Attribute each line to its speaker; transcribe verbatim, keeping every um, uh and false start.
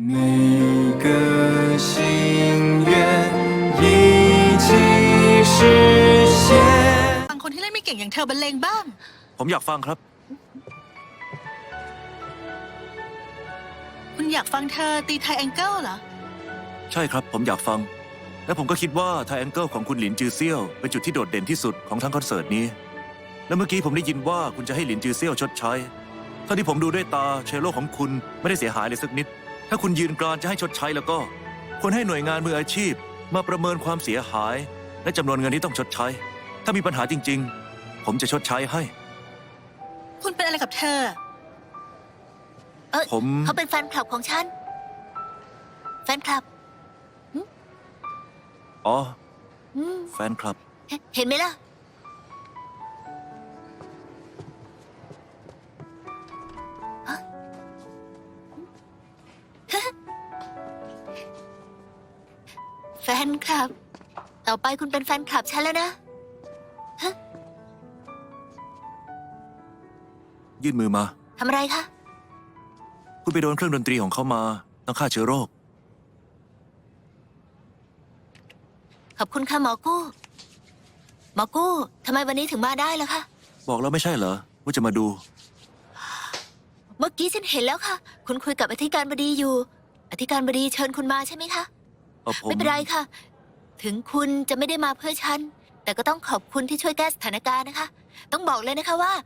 Speaker 1: 每个心愿一起实现。
Speaker 2: ฟังคนที่เล่นไม่เก่งอย่างเธอบรรเลงบ้าง
Speaker 3: ผมอยากฟังครับ
Speaker 2: คุณอยากฟังเธอตีไทแองเกิลเหรอ
Speaker 3: ใช่ครับผมอยากฟัง และผมก็คิดว่าไทแองเกิลของคุณหลินจือเซี่ยวเป็นจุดที่โดดเด่นที่สุดของทั้งคอนเสิร์ตนี้ และเมื่อกี้ผมได้ยินว่าคุณจะให้หลินจือเซี่ยวชดใช้เท่าที่ผมดูด้วยตาเชลโลของคุณไม่ได้เสียหายเลยสักนิด ถ้าคุณยืนกรานจะให้ชดใช้แล้วก็ควรให้หน่วยงานมืออาชีพมาประเมินความเสียหาย และจำนวนเงินที่ต้องชดใช้ ถ้ามีปัญหาจริงๆ ผมจะชดใช้ให้
Speaker 2: คุณเป็นอะไรกับเธอ
Speaker 4: เออ
Speaker 3: ผม
Speaker 4: เขาเป็นแฟนคลับของฉัน แฟนคลับ
Speaker 3: อ๋อ
Speaker 4: อืม
Speaker 3: แฟนคลับ
Speaker 4: เห็นเห็นไหมล่ะ แฟนคลับ ต่อไปคุณเป็นแฟนคลับฉันแล้วนะ
Speaker 3: ยื่นมือมา
Speaker 4: ทำอะไรคะ
Speaker 3: คุณไปโดนเครื่องดนตรีของเขามาต้องฆ่าเชื้อโรค
Speaker 4: ขอบคุณค่ะหมอกู้ หมอกู้ทำไมวันนี้ถึงมาได้ล่ะคะ
Speaker 3: บอกแล้วไม่ใช่เหรอว่าจะมาดู
Speaker 4: เมื่อกี้ฉันเห็นแล้วค่ะ คุณคุยกับอธิการบดีอยู่ อธิการบดีเชิญคุณมาใช่ไหมคะ
Speaker 3: เออผม
Speaker 4: ไม่เป็นไรค่ะ ถึงคุณจะไม่ได้มาเพื่อฉัน แต่ก็ต้องขอบคุณที่ช่วยแก้สถานการณ์นะคะ ต้องบอกเลยนะคะว่า